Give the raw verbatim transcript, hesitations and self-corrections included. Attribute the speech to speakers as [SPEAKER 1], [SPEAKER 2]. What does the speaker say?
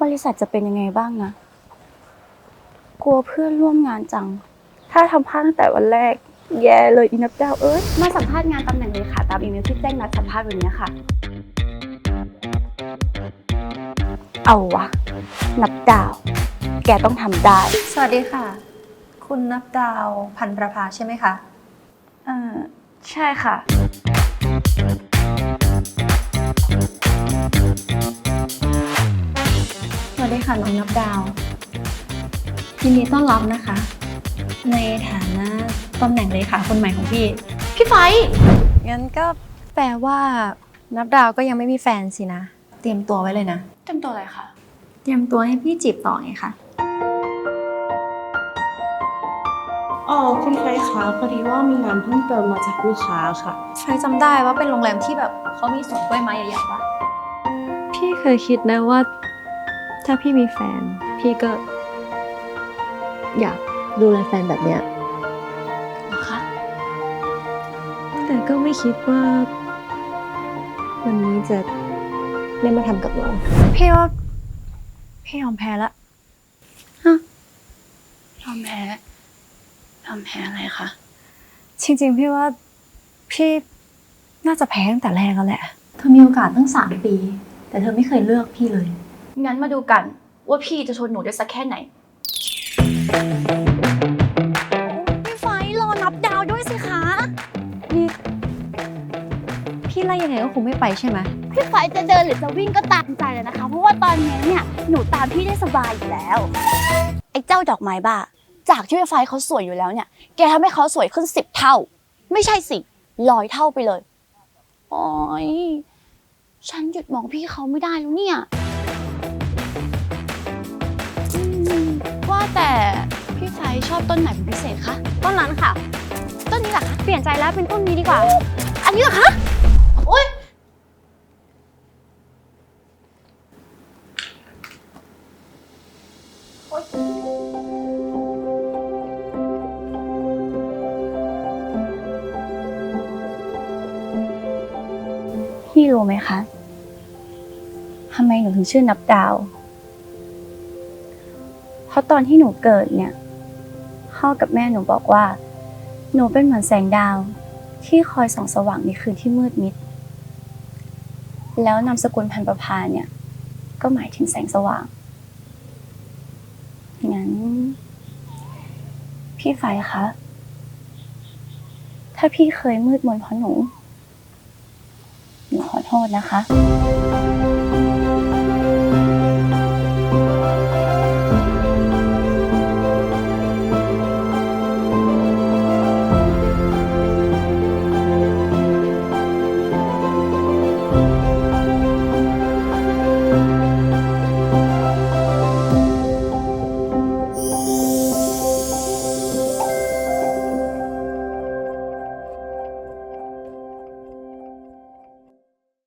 [SPEAKER 1] ริษัทจะเป็นยังไงบ้างนะกลัวเพื่อนร่วมงานจังถ้าทำพลาดตั้งแต่วันแรกแย่เลยอีนับดาวเอ้ยมาสัมภาษณ์งานตำแหน่งเลยค่ะตามอีเมลที่แจ้งนัดสัมภาษณ์วันนี้ค่ะเอาวะนับดาวแกต้องทำได้
[SPEAKER 2] สวัสดีค่ะคุณนับดาวพันประภาใช่ไหมคะ
[SPEAKER 1] เออใช่ค่ะ
[SPEAKER 2] สวัสดีค่ะน้องนับดาวยินดีต้อนรับนะคะในฐานะตำแหน่งเลขาคนใหม่ของพี่พี่ไฟงั้นก็แปลว่านับดาวก็ยังไม่มีแฟนสินะเตรียมตัวไว้เลยนะ
[SPEAKER 1] เต็มตัวอะไรคะ
[SPEAKER 2] เตรียมตัวให้พี่จีบต่อไงคะ
[SPEAKER 3] อ๋อคุณไฟคะพอดีว่ามีงานเพิ่มเติมมาจากลูกค้าค่ะ
[SPEAKER 2] ไฟจำได้ว่าเป็นโรงแรมที่แบบเขามีสวนกล้วยไม้ใหญ่ๆปะ
[SPEAKER 4] พี่เคยคิดนะว่าถ้าพี่มีแฟนพี่ก็อยากดูแลแฟนแบบเนี้ย
[SPEAKER 1] เหรอคะ
[SPEAKER 4] แต่ก็ไม่คิดว่าวันนี้จะได้มาทำกับเรา
[SPEAKER 2] พี่ว่าพี่ยอมแพ้ละ
[SPEAKER 1] ฮะยอมแพ้ยอมแพ้อะไรคะ
[SPEAKER 2] จริงๆพี่ว่าพี่น่าจะแพ้ตั้งแต่แรกแล้วแหละเธอมีโอกาสตั้งสามปีแต่เธอไม่เคยเลือกพี่เลย
[SPEAKER 1] งั้นมาดูกันว่าพี่จะทนหนูได้สักแค่ไหนพี่ไฟรอนับดาวด้วยสิคะ
[SPEAKER 2] นี่พี่ไล่ยังไงก็คงไม่ไปใช่ไหม
[SPEAKER 1] พี่ไฟจะเดินหรือจะวิ่งก็ตามใจเลยนะคะเพราะว่าตอนนี้เนี่ยหนูตามพี่ได้สบายอยู่แล้วไอ้เจ้าดอกไม้บ้าจากที่พี่ไฟเขาสวยอยู่แล้วเนี่ยแกทำให้เขาสวยขึ้นสิบเท่าไม่ใช่สิร้อยเท่าไปเลยโอ๊ยฉันหยุดมองพี่เขาไม่ได้แล้วเนี่ยว่าแต่พี่ไฟชอบต้นไหนเป็นพิเศษคะ
[SPEAKER 2] ต้นนั้นค่ะ
[SPEAKER 1] ต้นนี้เหรอคะ
[SPEAKER 2] เปลี่ยนใจแล้วเป็นต้นนี้ดีกว่า
[SPEAKER 1] อันนี้เหรอคะโอ๊ยพี่รู้ไหมคะทำไมหนูถึงชื่อนับดาวเพราะตอนที่หนูเกิดเนี่ยพ่อกับแม่หนูบอกว่าหนูเป็นเหมือนแสงดาวที่คอยส่องสว่างในคืนที่มืดมิดแล้วนามสกุลพันประภาเนี่ยก็หมายถึงแสงสว่างงั้นพี่ไฟคะถ้าพี่เคยมืดมนเพราะหนูหนูขอโทษนะคะ